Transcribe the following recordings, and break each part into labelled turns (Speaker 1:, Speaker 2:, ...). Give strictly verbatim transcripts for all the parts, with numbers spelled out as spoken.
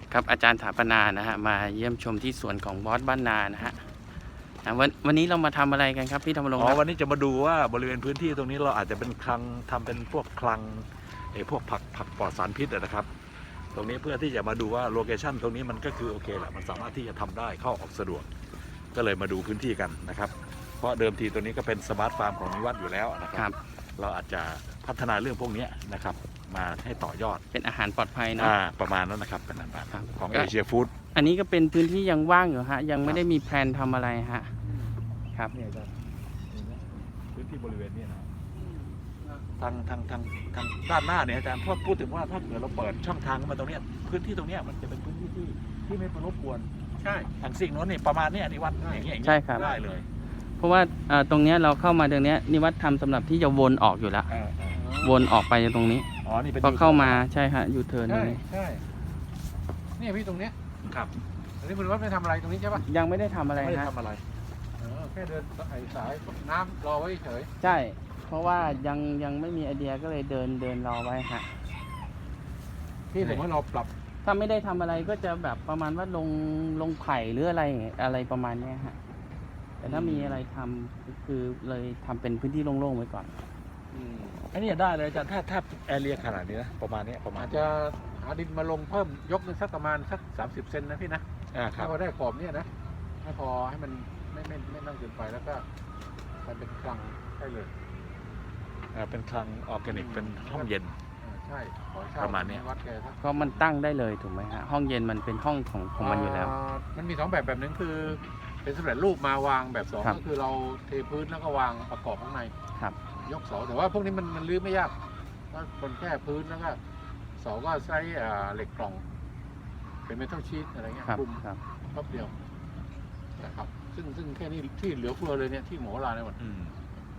Speaker 1: ครับอาจารย์ถาปนานะฮะมาเยี่ยมชมที่สวนของบอสบ้านนานะฮะวันวันนี้เรามาทำอะไรกันครับพี่ธรรมรงค์
Speaker 2: อ๋
Speaker 1: ค
Speaker 2: อ
Speaker 1: รับ
Speaker 2: วันนี้จะมาดูว่าบริเวณพื้นที่ตรงนี้เราอาจจะเป็นคลังทำเป็นพวกคลังไอ้พวกผักผักปลอดสารพิษนะครับตรงนี้เพื่อที่จะมาดูว่าโลเคชั่นตรงนี้มันก็คือโอเคแหละมันสามารถที่จะทำได้เข้าออกสะดวกก็เลยมาดูพื้นที่กันนะครับเพราะเดิมทีตัวนี้ก็เป็นสมาร์ทฟาร์มของนิวัฒน์อยู่แล้วนะครับเราอาจจะพัฒนาเรื่องพวกนี้นะครับมาให้ต่อยอด
Speaker 1: เป็นอาหารปลอดภัยนะ
Speaker 2: อ่าประมาณนั้นนะครับเป็นอาหารของเอเชียฟู้ด
Speaker 1: อันนี้ก็เป็นพื้นที่ยังว่างอยู่ฮะยังไม่ได้มีแพลนทำอะไรฮะครับ
Speaker 2: เนี่ยจะพื้นที่บริเวณนี้นะทางทางทางทางด้านหน้าเนี่ยอาจารย์พูดพูดถึงว่าถ้าเกิดเราเปิดช่องทางมาตรงเนี้ยพื้นที่ตรงเนี้ยมันจะเป็นพื้นที่ที่ที่ไม่เป็นรบกวนใช่ทางสิ่งโน้นนี่ประมาณเนี้ยนิวัฒน์อย่างเงี้ยอย่างเงี้ย
Speaker 1: ใช่ครับ
Speaker 2: ได้เลย
Speaker 1: เพราะว่าเอ่อตรงเนี้ยเราเข้ามาตรงเนี้ยนิวัฒน์ทำสำหรับที่จะวนออกอยู่แล้ว
Speaker 2: อ่าอ่า
Speaker 1: วนออกไปตรงนี้
Speaker 2: อ๋อนี่เป็น
Speaker 1: พอเข้ามาใช่ฮะยูเทิร์นตร
Speaker 3: ใช่
Speaker 1: งนี้
Speaker 3: ใช่เนี่ยพี่ตรงเนี้ย
Speaker 2: ครับ
Speaker 3: อันนี้คุณว่าไม่ทำอะไรตรงนี้ใช่ปะ
Speaker 1: ยังไม่ได้ทำอะไร
Speaker 2: ไม่ได้
Speaker 1: ฮะ
Speaker 2: ทำอะไร
Speaker 3: เออแค่เดินไอ้สายน้ำรอไว้เฉย
Speaker 1: ใช่ เพราะว่ายังยังไม่มีไอเดียก็เลยเดินเดินรอไว้ฮะ
Speaker 3: ที่ผมว่าเราปรับ
Speaker 1: ถ้าไม่ได้ทำอะไรก็จะแบบประมาณว่าลงลงไผ่หรืออะไรอะไรประมาณเนี้ยฮะแต่ถ้ามีอะไรทำก็คือเลยทำเป็นพื้นที่โล่งๆไว้ก่อน
Speaker 2: อันนี้ได้เลยอาจารย์ถ้าถ้าแอเรียขนาดนี้นะประมาณเนี้ยประมาณ
Speaker 3: อาจจะหาดินมาลงเพิ่มยกนึงสักประมาณสักสามสิบเซนนะพี่นะ
Speaker 2: อ่าครั
Speaker 3: ถ้า
Speaker 2: บ
Speaker 3: พอได้ขอบเนี่ยนะให้พอให้มันไม่ไม่ไม่นั่งเกินไปแล้วก็มันเป็นคลังได้เลย
Speaker 2: อ่าเป็นคลังออร์แกนิกเป็นห้องเย็น
Speaker 3: เออใช่ขอเช่
Speaker 2: ประมาณเนี้ย
Speaker 3: วัดแกสัก
Speaker 1: ก็มันตั้งได้เลยถูกไหมฮะห้องเย็นมันเป็นห้องของของมันอยู่แล้ว
Speaker 3: เมันมีสองแบบแบบหนึงคือเป็นสำเร็จรูปมาวางแบบสอง
Speaker 1: ครับ
Speaker 3: ก็คือเราเทพื้นแล้วก็วางประกอบข้างใน
Speaker 1: ครับ
Speaker 3: ยกเสาแต่ว่าพวกนี้มันมันรื้อไม่ยากก็บนแค่พื้นแล้วก็เสาก็ใช้อ่าเหล็กกล่อง เป็นเมทัลชีทอะไรเงี้ย
Speaker 1: ครับ
Speaker 3: คลุม
Speaker 1: ครับ
Speaker 3: รอบเดียวนะครับซึ่งซึ่งแค่นี้ที่เหลือเฟือเลยเนี่ยที่หมอลาในหมด
Speaker 2: อืม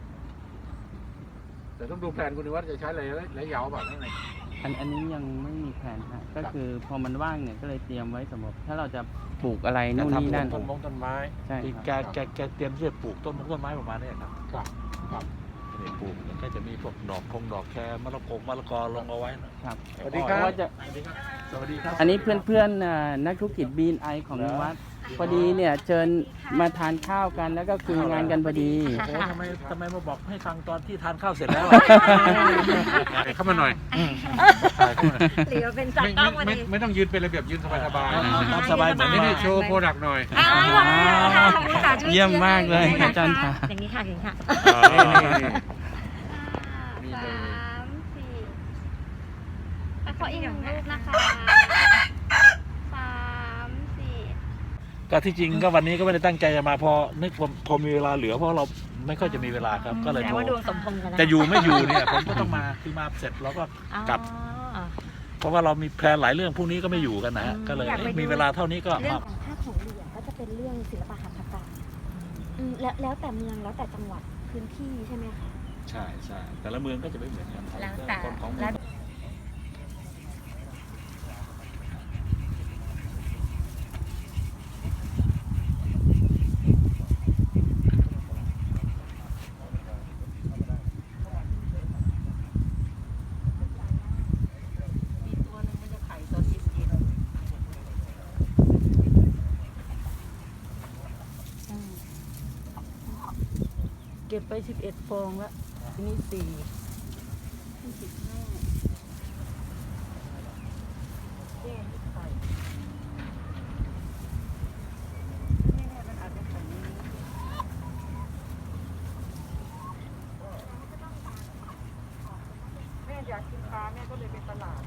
Speaker 3: แต่ต้องดูแผนคุณนิวัฒน์จะใช้อะไรระยะยาวแบบนั้นไง
Speaker 1: อันอันนี้ยังไม่มีแผนฮะก็คือพอมันว่างเนี่ยก็เลยเตรียมไว้สำหรับถ้าเราจะปลูกอะไรนู่นนี่นั่น
Speaker 3: ต้นมงต้นไม้
Speaker 1: ใช่
Speaker 2: ที่
Speaker 1: ครับ
Speaker 2: แกแกแกเตรียมที่จะปลูกต้นมงต้นไม้ประมาณเนี้ยครับ
Speaker 3: ครับครับ
Speaker 2: นี่ปลูกแล้วก็จะมีพวกดอกคงดอกแครมะละกงมะละกอลงเอาไว้นะครับ
Speaker 3: สวัสดีครับ
Speaker 1: ว่าจะ
Speaker 3: สวัสดีครับ
Speaker 2: สวัสดีครับ
Speaker 1: อันนี้เพื่อนๆอ่านักธุรกิจบีนไอของนิวัฒน์พอดีเนี่ยเชิญมาทานข้าวกันแล้วก็คุยงานกันพอดี
Speaker 2: โอ้ทำไมทำไมมาบอกให้ฟังตอนที่ทานข้าวเสร็จแล้ว
Speaker 3: เข้ามาหน่อย
Speaker 4: หรือว่าเป็นจัด
Speaker 3: ไม่
Speaker 4: กล้องวัน
Speaker 3: ไม่
Speaker 4: นี้
Speaker 3: ไม่ต้องยืนเป็นระเบียบยืนสบายสบาย
Speaker 4: อ๋อ
Speaker 2: ตามสบายเหมือน
Speaker 3: นี่
Speaker 2: นี่
Speaker 3: นี่โชว์โปรดักต์หน่อย
Speaker 4: อ่าค่ะค่ะช่ว
Speaker 1: เยี่ยมมากเลย
Speaker 4: ช่ว
Speaker 1: อาจารย์ค่ะ
Speaker 4: อย่างนี้ค่ะอย่างนี้ค่ะ
Speaker 3: นี่เลย
Speaker 4: สามสี่แล้วขออีกหนึ่งรูปนะคะสามสี่
Speaker 2: ก็ที่จริงก็วันนี้ก็ไม่ได้ตั้งใจจะมาพอนึกพอพอมีเวลาเหลือเพราะเราไม่ค่อยจะมีเวลาครับก็เลย
Speaker 4: แต่
Speaker 2: โทร
Speaker 4: ว่าดวงสมพงษ์กันนะ
Speaker 2: จะอยู่ไม่อยู่เนี่ยผมก็ต้องมาคือมาเสร็จเราก็ กลับ
Speaker 4: อ๋อ
Speaker 2: เพราะว่าเรามีแพลนหลายเรื่องพรุ่งนี้ก็ไม่อยู่กันนะฮะ
Speaker 4: อืม
Speaker 2: ก็เลย
Speaker 4: อยากไปดู
Speaker 2: มีเวลาเท่านี้ก็
Speaker 5: เรื่อ
Speaker 2: มาง
Speaker 5: ของภาคของเหรียญก็จะเป็นเรื่องศิลปะหัตถกรรมอืมแล้วแล้วแต่เมืองแล้วแต่จังหวัดพื้นที่ใช่ไหมคะ
Speaker 2: ใช่ใช่แต่ละเมืองก็จะไม่เหมือนกัน
Speaker 4: แล้วแต่
Speaker 2: คนของเมื
Speaker 4: แล้
Speaker 2: อง
Speaker 4: ว
Speaker 6: เก็บไปสิบเอ็ดฟองแล้วทีนี้สี่แม่อยากกินปลาแม่ก็เลยไปตลาด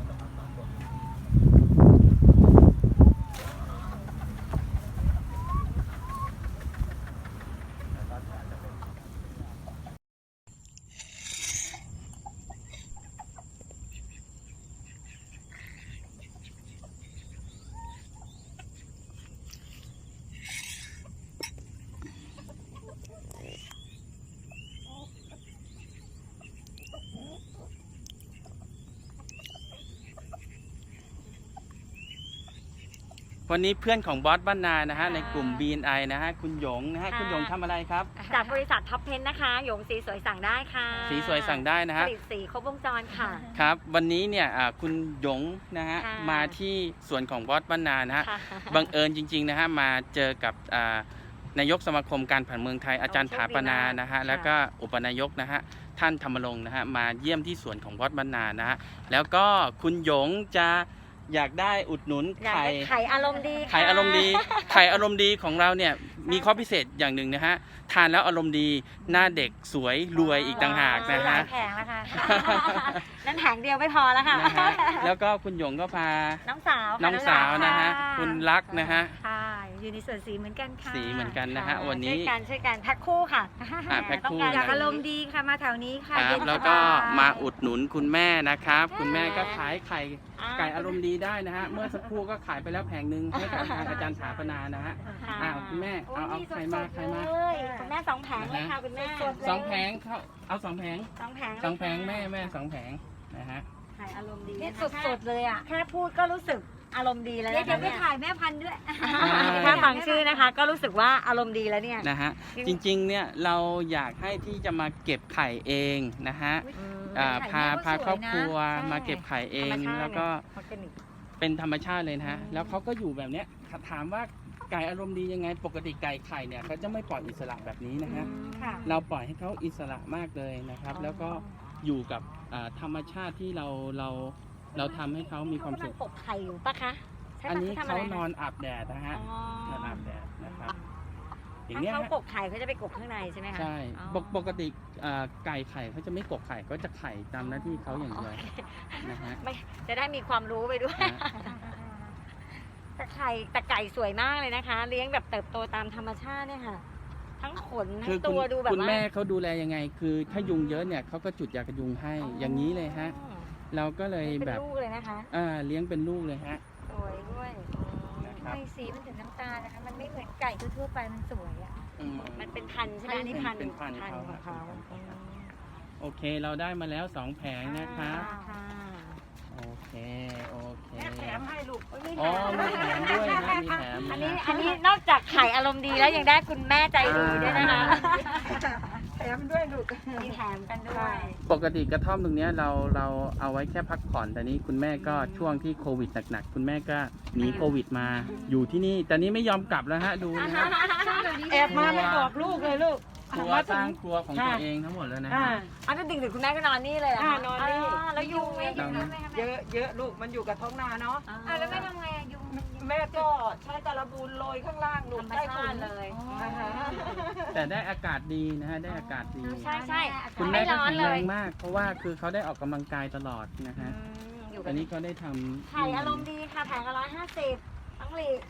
Speaker 1: วันนี้เพื่อนของบอสบ้านนานะฮะในกลุ่ม
Speaker 7: ค่ะ
Speaker 1: บี เอ็น ไอ นะฮะคุณหยงนะฮะ
Speaker 7: ค่ะ
Speaker 1: คุณหยงทำอะไรครับ
Speaker 7: จากบริษัทท็อปเพนนะคะหยงสีสวยสั่งได้ค่ะ
Speaker 1: สีสวยสั่งได้นะ
Speaker 7: ผ
Speaker 1: ฮะ
Speaker 7: ลิตสีครบวงจรค่ะ
Speaker 1: ครับวันนี้เนี่ยอ่าคุณหยงนะฮะ
Speaker 7: ค่ะ
Speaker 1: มาที่สวนของบอสบ้านนานะฮะ
Speaker 7: ค่ะ
Speaker 1: บังเอิญจริงๆนะฮะมาเจอกับอ่านายกสมาคมการผันเมืองไทยอาจารย์
Speaker 7: โอ้
Speaker 1: ถาปนานะฮะ
Speaker 7: โชคดีมาก
Speaker 1: แล้วก็อุปนายกนะฮะท่านธรรมรงค์นะฮะมาเยี่ยมที่สวนของบอสบ้านนานะฮะแล้วก็คุณหยงจะอยากได้อุดหนุน
Speaker 7: อยาก
Speaker 1: ไข่
Speaker 7: ได้ไข่อารมณ์ดีค่ะ
Speaker 1: ไข่อารมณ์ดีไข่อารมณ์ดีของเราเนี่ยมีข้อพิเศษอย่างหนึ่งนะฮะทานแล้วอารมณ์ดีหน้าเด็กสวยรวยอีกต่างหากนะ
Speaker 7: หลา
Speaker 1: ฮะ
Speaker 7: ยแผงแล้วค่ะ นั่นแผงเดียวไม่พอแล้วค่ะ
Speaker 1: นะฮะแล้วก็คุณหยงก็พา
Speaker 7: น้องสาวค่ะ
Speaker 1: น้องสาวนะฮะ
Speaker 7: ค่
Speaker 1: คุณรักนะฮะ
Speaker 7: ค่ะอยู่ในส่วนสีเหมือนกันค่ะ
Speaker 1: สีเหมือนกันนะฮะ
Speaker 7: ค่
Speaker 1: วันนี้
Speaker 7: ช่วยกันช่วยกันแพ็คคู่ค่ะ
Speaker 1: อ่าแพ็คคู่
Speaker 7: ต้องการ
Speaker 1: นะ
Speaker 7: อยากอารมณ์ดีค่ะมาแถวนี้ค่ะ
Speaker 1: ครับ
Speaker 7: เย็น
Speaker 1: แล้ว
Speaker 7: ส
Speaker 1: ก็
Speaker 7: บาย
Speaker 1: มาอุดหนุนคุณแม่นะครับ คุณแม่ก็ขายไข่
Speaker 7: อ่า
Speaker 1: ไก่อารมณ์ดีได้นะฮะเมื่อสักครู่ก็ขายไปแล้วแผงหนึ่งให้กับทางอาจารย์ถาปนานะฮะ
Speaker 7: ค่ะ
Speaker 1: อ้าวคุณแม่เอาเอา
Speaker 7: โย
Speaker 1: ไข่มา
Speaker 7: สดๆ
Speaker 1: ไข่มา
Speaker 7: เลยคุณแม่สองแผงเลยค่ะคุณแม่
Speaker 1: สองแผงเขาเอาสองแผง
Speaker 7: สองแผงเลย
Speaker 1: สองแผง
Speaker 7: ค่ะ
Speaker 1: แม่แม่สองแผงนะฮะ
Speaker 7: ขายอารมณ์ดี
Speaker 4: นี่
Speaker 7: นะคะ
Speaker 4: สดๆเลยอ่ะ
Speaker 7: แค่พูดก็รู้สึกอารมณ์ดีแล้ว
Speaker 4: เดี๋ยว
Speaker 7: นะคะ
Speaker 4: เดี๋ยวไปถ่ายแม่พันธุ์ด้วย
Speaker 7: แค่ฟังชื่อนะคะ ก็รู้สึกว่าอารมณ์ดีแล้วเนี่ย
Speaker 1: นะฮะจริงๆเนี่ยเราอยากให้ที่จะมาเก็บไข่เองนะฮะ
Speaker 7: อืม
Speaker 1: อ่า
Speaker 4: ไข่
Speaker 1: พา
Speaker 4: แม่ก็
Speaker 1: พา
Speaker 4: สวยนะ
Speaker 1: ครอบครัว
Speaker 7: ใช่
Speaker 1: มาเก็บไข่เอง
Speaker 7: ธรรมชาติ
Speaker 1: แล้วก็
Speaker 7: ออร์แกนิก
Speaker 1: เป็นธรรมชาติเลยนะฮะ
Speaker 7: อืม
Speaker 1: แล้วเขาก็อยู่แบบเนี้ยถามว่าไก่อารมณ์ดียังไง ปกติไก่ไข่เนี่ยเขาจะไม่ปล่อยอิสระแบบนี้นะฮะ
Speaker 7: ค่ะ
Speaker 1: เราปล่อยให้เขาอิสระมากเลยนะครับ แล้วก็อยู่กับอ่าธรรมชาติที่เราเราเราทำให้เขามีความสุข
Speaker 7: เขกำลังกบไข่อยู่ปะคะใช่ปะ
Speaker 1: อันนี้
Speaker 7: ทำะ
Speaker 1: เขา
Speaker 7: ไร
Speaker 1: นอนอาบแดดนะฮะ
Speaker 7: อ๋อน
Speaker 1: อนอาบแดดนะครับ อย่าง
Speaker 7: ถ้า
Speaker 1: เงี้ย
Speaker 7: เขา
Speaker 1: ฮะ
Speaker 7: กบไข่เขาจะไปกบข้างในใช่ไหมคะ
Speaker 1: ใช่
Speaker 7: อ๋อ
Speaker 1: ปกปกติอ่าไก่ไข่เขาจะไม่กกไข่เขาจะไข่ตามหน้าที่เขาอย่างเดียวนะฮะ
Speaker 7: ไม่จะได้มีความรู้ไปด้วย
Speaker 1: นะ
Speaker 7: แต่ไข่แต่ไก่สวยมากเลยนะคะ เลี้ยงแบบเติบโตตามธรรมชาติเนี่ยค่ะ ทั้งขนทั้
Speaker 1: คือง คุ
Speaker 7: ตั
Speaker 1: ณ
Speaker 7: วดูแบบ
Speaker 1: คุณ
Speaker 7: ว่า
Speaker 1: แม่เขาดูแลยังไง คือถ้ายุงเยอะเนี่ยเขาก็จุดยากันยุงให้อย่างนี้เลยฮะ
Speaker 7: อ๋อ
Speaker 1: เราก็เลย
Speaker 7: เป็น
Speaker 1: แบบ
Speaker 7: ลูกเลยนะคะ
Speaker 1: อ่าเลี้ยงเป็นลูกเลยฮะ
Speaker 7: สวยด้วย
Speaker 1: นะครับ
Speaker 4: ทำไมสีมันถึงน้ำตาลนะคะ มันไม่เหมือนไก่ทั่วๆไป มันสวยอ่ะ
Speaker 1: อืม
Speaker 7: มันเป็นพันธุ์ใช่ไหมอันนี่พันธุ์
Speaker 1: เป็นพันธุ์
Speaker 7: ของ
Speaker 1: เขา
Speaker 7: เขา
Speaker 1: โอเคเราได้มาแล้วสองแผงนะครับ
Speaker 7: ค่ะ
Speaker 1: โอเคโอเค
Speaker 6: แถมให้ลูก
Speaker 1: อ๋อมีแถมด้วยนะมีแถม
Speaker 7: อัน
Speaker 1: นะ
Speaker 7: นี้
Speaker 1: ฮะ
Speaker 7: อันนี้นอกจากไข่อารมณ์ดีแล้วยังได้คุณแม่ใจดีด้วยนะคะ
Speaker 6: แถมด้วยลูก
Speaker 7: มีแถมกันด้วย
Speaker 1: ปกติกระท่อมตรงเนี้ยเราเราเอาไว้แค่พักผ่อนแต่นี้คุณแม่ก็ช่วงที่โควิดหนักๆคุณแม่ก็หนีโควิดมาอยู่ที่นี่แต่นี้ไม่ยอมกลับแล้วฮะดูนะฮะ
Speaker 6: แอบมาไม่บอกลูกเลยลูก
Speaker 1: ครัวสร้างครัวของตัวเองทั้งหมดแล้วนะ
Speaker 6: อ่า
Speaker 1: ฮะ
Speaker 7: อันนั้นดึกๆคุณแม่ก็นอนนี่เลยเหรอคะ
Speaker 6: อ่านอนนี่
Speaker 7: าแล้วยุงไหม
Speaker 1: ตอนนี้
Speaker 6: เยอะเยอะลูกมันอยู่กับท้องนาเนาะ
Speaker 4: อ่าแล้วแม่ทำไงอะยุงมัน
Speaker 6: แม่ก็ใช้ตะลบูนโรยข้างล่างลู
Speaker 7: ธร
Speaker 6: ก
Speaker 7: รม
Speaker 6: ได้
Speaker 7: ชา
Speaker 6: ฝุ่
Speaker 7: ติ
Speaker 6: น
Speaker 7: เลย
Speaker 6: อ่าฮะ
Speaker 1: แต่ได้อากาศดีนะฮะได้อากาศดี
Speaker 7: ใช่ใช่
Speaker 1: คุณแม่
Speaker 7: ไม่
Speaker 1: ก็
Speaker 7: ร้อน
Speaker 1: แข็ง
Speaker 7: เล
Speaker 1: แร
Speaker 7: ย
Speaker 1: งมาก เพราะว่าคือเขาได้ออกกำลังกายตลอดนะ
Speaker 7: อื
Speaker 1: ฮะ
Speaker 7: มอยู่กั
Speaker 1: อั
Speaker 7: บ
Speaker 1: นนี้เขาได้ทำ
Speaker 7: ไข่อารมณ์ดีค่ะแผงละร้อยห้าสิบต้องหลีก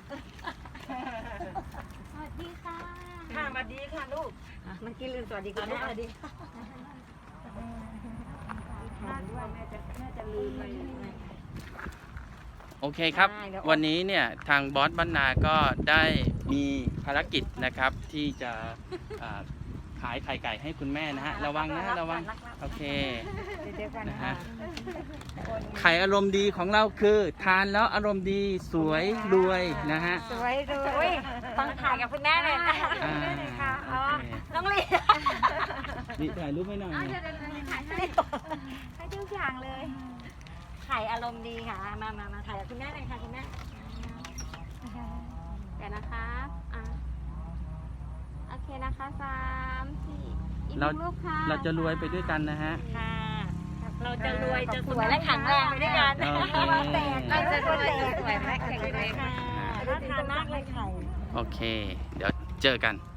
Speaker 4: สวัสดีค่ะ
Speaker 6: ค่ะมาดีค่ะลูก
Speaker 7: อ่ะเมื่อกี้ลืมสวัสดีคุณแม่
Speaker 6: สวัสดี
Speaker 1: โอเคครับ
Speaker 7: ได้เดี๋ยว
Speaker 1: วันนี้เนี่ยทางบอสบ้านนาก็ได้มีภารกิจนะครับที่จะอ่าขายไข่ไก่ให้คุณแม่นะฮะระวังนะระวังโอเค
Speaker 7: เดี๋ยวกัน
Speaker 1: นะ
Speaker 7: นะ
Speaker 1: ฮะ
Speaker 7: คะ
Speaker 1: ไข่อารมณ์ดีของเราคือ ทานแล้วอารมณ์ดีสวยรวยนะฮะ
Speaker 7: สวยดูอุ้ยต้องถ่ายกับคุณแม่เลยนะ
Speaker 1: อ่า
Speaker 7: ค่ะอ๋อ
Speaker 1: โอเค
Speaker 7: น้องลี
Speaker 1: นี่ถ่ายรูปให้หน่อย
Speaker 4: เอาเดี๋ยวเดี๋ยวเดี๋ยวถ่ายให้ให้ทุกอย่างเลย
Speaker 7: ไข่อารมณ์ดีค่ะ มามามาถ่ายกับคุณแม่เลยค่ะคุณแม่เดี๋ยวนะคะอ่ะโอเคนะคะสามสี่อีกห
Speaker 1: เรา
Speaker 4: นึ่งลูกค่ะ
Speaker 1: เราจะรวยไปด้วยกันนะฮะ
Speaker 7: ค่ะ เราจะรวยจะสวยและแข็งแรงไปด้วยกัน
Speaker 1: โอเค
Speaker 7: เราจะรวยจะสวยและแข็งแรงค่ะน่าทานมากเลยไข่
Speaker 1: โอเค เดี๋ยวเจอกัน